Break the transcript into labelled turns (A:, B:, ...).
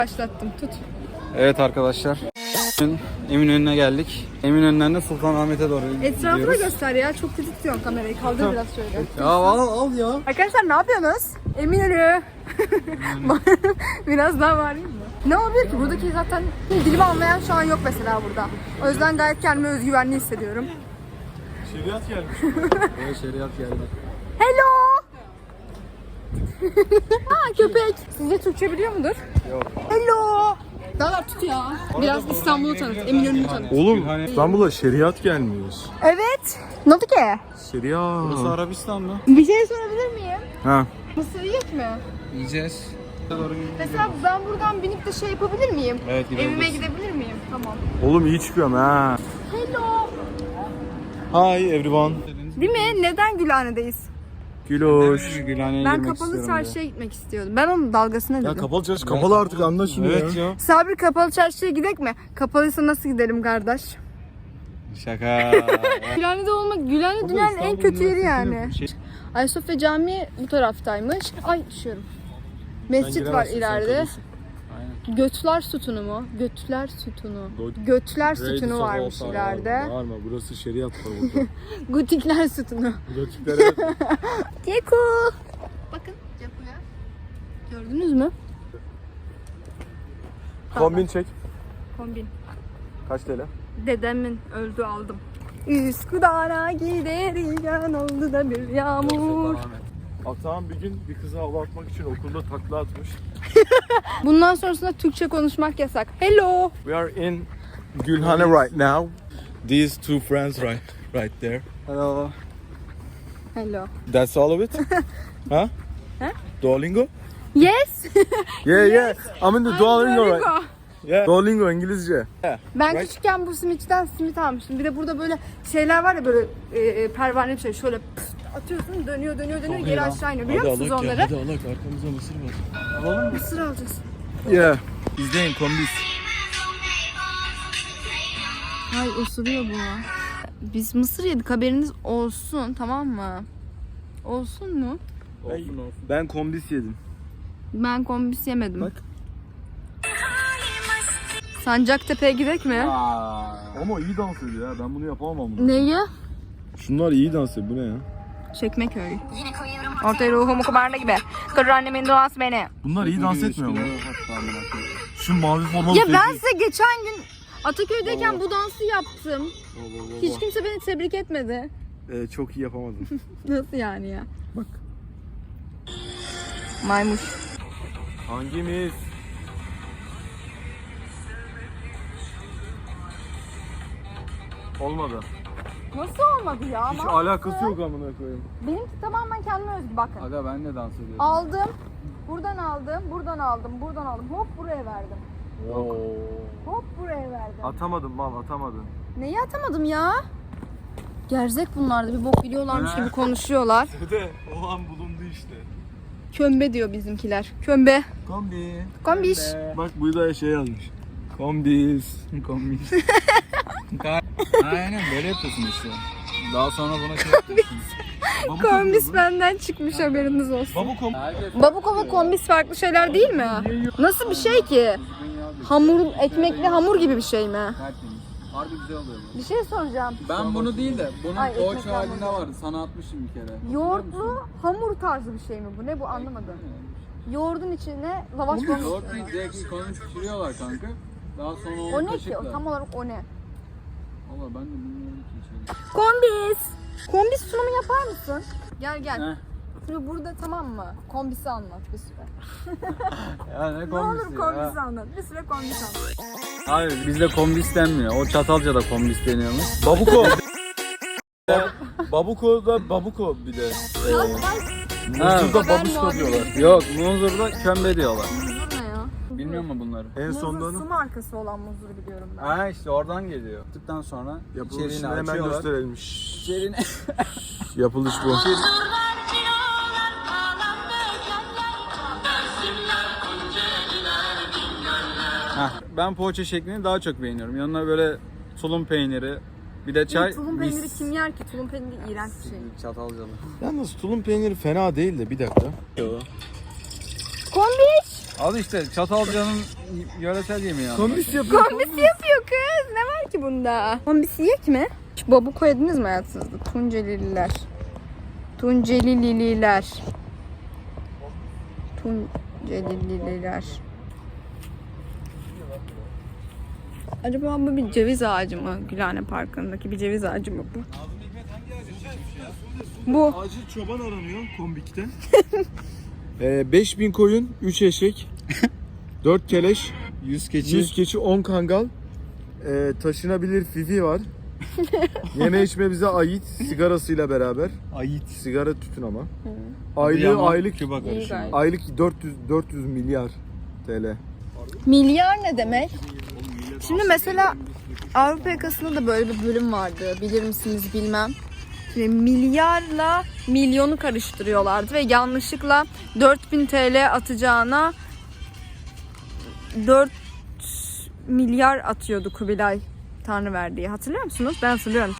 A: Başlattım, tut.
B: Evet arkadaşlar. Eminönü'ne geldik. Eminönü'nden de Sultanahmet'e doğru
A: Etrafı da
B: gidiyoruz.
A: göster ya. Çok kötü tutuyorsun kamerayı. Kaldır biraz şöyle.
B: Ya al ya.
A: Arkadaşlar ne yapıyorsunuz? Eminönü. Biraz daha bağırayım mı? Ne olabilir ki? Buradaki zaten dilimi anlayan şu an yok mesela burada. O yüzden gayet kendimi özgüvenli hissediyorum.
B: Şeriat gelmiş. Evet, şeriat geldi.
A: Hello! Ha köpek. Sizce Türkçe biliyor mudur?
B: Yok.
A: Hello! Daha tut ya. Biraz İstanbul'u tanıt, Eminönü'nü tanıt.
C: Oğlum İstanbul'a şeriat gelmiyor.
A: Evet. Ne oldu ki?
C: Şeriat.
B: Burası Arabistan mı?
A: Bir şey sorabilir miyim?
C: Ha.
A: Mısır yiyecek mi?
B: Yiyeceğiz.
A: Mesela ben buradan binip de şey yapabilir miyim?
B: Evet, gidebiliriz.
A: Evime gidebilir miyim? Tamam.
C: Oğlum iyi çıkıyorum ha.
A: Hello.
C: Hi everyone.
A: Değil mi? Neden Gülhane'deyiz?
C: Güloş.
B: Gülhane'ye
A: Ben
B: girmek
A: kapalı
B: istiyorum
A: çarşıya gitmek istiyordum. Ben onun dalgasına
C: Ya
A: dedim.
C: kapalı çarşı kapalı artık anla şunu
B: Evet
C: ya.
B: ya.
A: Sabri kapalı çarşıya gidek mi? Kapalıysa nasıl gidelim kardeş?
B: Şaka.
A: Gülhane'de olmak, Gülhane dünyanın en kötü yeri yani.
B: Şey-
A: Ayasofya Camii bu taraftaymış. Ay düşüyorum. Mescit var ileride. Götler sütunu mu? Götler sütunu. Götler sütunu varmış ileride.
C: Bağırma burası şeriat var burada.
A: Gotikler sütunu.
C: Gotiklere
A: Ceko. Bakın Ceko'ya. Gördünüz mü?
C: kombin çek.
A: Kombin.
C: Kaç TL?
A: Dedemin öldü aldım. Üsküdar'a giderken oldu da bir yağmur.
C: Atağım bir gün bir kıza hava atmak için okulda takla atmış.
A: Bundan sonrasında Türkçe konuşmak yasak. Hello.
C: We are in Gülhane right now. These two friends right there.
B: Hello.
A: Hello.
C: That's all of it? Huh?
A: Huh?
C: Duolingo?
A: Yes.
C: Yeah. I'm in the Duolingo right.
A: Duolingo.
C: Yeah. Duolingo İngilizce.
A: Ben
C: Right.
A: küçükken bu simitçiden simit almıştım. Bir de burada böyle şeyler var ya böyle pervane bir şey. Şöyle pıst atıyorsun dönüyor geri
B: iyi lan.
A: aşağı iniyor. Biliyor musunuz onları?
C: Hadi alak arkamızda mısır var.
A: Mısır alacağız.
C: Yeah. İzleyin kombis.
A: Ay osuruyor bu. Biz mısır yedik haberiniz olsun tamam mı? Olsun mu?
C: Ben kombis yedim.
A: Ben kombis yemedim.
C: Bak.
A: Sancaktepe'ye gidek mi?
C: Ama iyi dans ediyor ya. Ben bunu yapamam bunu.
A: Neyi?
C: Şunlar iyi dans ediyor. Bu ne ya?
A: Çekmeköy. Ortaya ruhumu kumarda gibi. Kır annemin duası beni.
C: Bunlar iyi dans etmiyor mu? Şu mavi formalı
A: Ya ben size geçen gün Ataköy'deyken bu dansı yaptım. Hiç kimse beni tebrik etmedi.
C: Çok iyi yapamadım.
A: Nasıl yani ya?
C: Bak.
A: Maymuş.
C: Hangimiz? Olmadı.
A: Nasıl olmadı ya?
C: Hiç
A: Ama
C: alakası yok amına koyayım.
A: benimki tamamen kendime özgü bakın.
B: Aga ben de dans ediyorum.
A: Aldım. Buradan aldım. Buradan aldım. Buradan aldım. Hop buraya verdim. Hop buraya verdim.
C: Atamadım mal atamadın.
A: Neyi atamadım ya? Gerzek bunlar da bir bok biliyorlarmış gibi konuşuyorlar.
C: De o an bulundu işte.
A: Kömbe diyor bizimkiler. Kömbe.
C: Kombi.
A: Kombiş.
C: Bak bu da şey yazmış. Kombis.
B: Kombis. Aynen böyle yapıyorsun işte. Daha sonra buna şey yapıyorsun.
A: Kombis benden çıkmış haberiniz olsun.
C: Babukom.
A: Babukova kombis farklı şeyler değil mi? Nasıl bir şey ki? Hamur, ekmekli hamur gibi bir şey mi?
B: Tertemiz. Harbi güzel oluyor bu.
A: Bir şey soracağım.
B: Ben bunu değil de bunun
A: Ay, ekmek
B: poğaça halinde
A: hamuru.
B: vardı. Sana atmışım bir kere.
A: Yoğurtlu hamur tarzı bir şey mi bu? Ne bu anlamadım. Yoğurdun içine lavaş koymuş.
B: Yoğurt değil, direkt konuş pişiriyorlar kanka. Daha sonra onu
A: O ne ki?
B: kaşıkla.
A: O tam olarak o ne?
B: Valla ben de bilmiyorum ki içeri.
A: Kombis. Kombis sunumu yapar mısın? Gel gel.
B: Heh.
A: Şimdi burada tamam mı? Kombisi anlat bir süre.
B: Ya ne
A: Ne
B: kombisi
A: olur
B: ya?
A: kombisi anlat. Bir süre kombis anlat.
B: Hayır bizde kombis denmiyor. O Çatalca'da kombis deniyormuş.
C: Babuko. Babuko da babuko bir de. Muzur'da
A: Ben
C: babuşko
A: muhabbet
C: diyorlar.
B: Yok Munzur'da kömbe diyorlar.
A: Muzur ne ya?
B: Bilmiyor musun bunları?
C: En
A: Muzur
C: sonunda
A: su markası olan muzuru biliyorum ben.
B: Ha işte oradan geliyor. Tıktan sonra
C: yapılışını
B: içeriğini
C: hemen
B: açıyorlar.
C: gösterelim.
B: İçeriğini...
C: Yapılış bu.
B: Heh, ben poğaça şeklini daha çok beğeniyorum. Yanına böyle tulum peyniri, bir de çay.
A: Tulum
B: mis.
A: peyniri kim yer ki? Tulum peyniri iğrenç bir şey.
B: Çatalcalı.
C: Yalnız tulum peyniri fena değil de bir dakika.
A: Kombiş!
B: Al işte Çatalca'nın yöresel yemeği yani.
C: Kombis yapıyor.
A: Kombisi yapıyor kız. Ne var ki bunda? Kombisi yek mi? Hiç babuk yediniz mi hayatınızda? Tuncelililer. Tuncelililer. Tuncelililer. Acaba bu bir ceviz ağacı mı? Gülhane Parkı'ndaki bir ceviz ağacı mı bu? Bu.
C: Acil çoban aranıyor Kombik'te. 5000 koyun, 3 eşek, 4 keleş,
B: 100 keçi.
C: 100 keçi, 10 kangal, taşınabilir fifi var. Yeme içme bize ait sigarasıyla beraber.
B: Ayit.
C: Sigara tütün ama.
B: Yaman,
C: Aylık
B: Küba
A: İyi
B: karışımı.
A: gayet.
C: aylık 400 milyar TL.
A: Milyar ne demek? Şimdi mesela Avrupa Yakası'nda da böyle bir bölüm vardı. Bilir misiniz bilmem. Şimdi milyarla milyonu karıştırıyorlardı ve yanlışlıkla 4000 TL atacağına 4 milyar atıyordu Kubilay Tanrıverdi'ye. Hatırlıyor musunuz? Ben hatırlıyorum.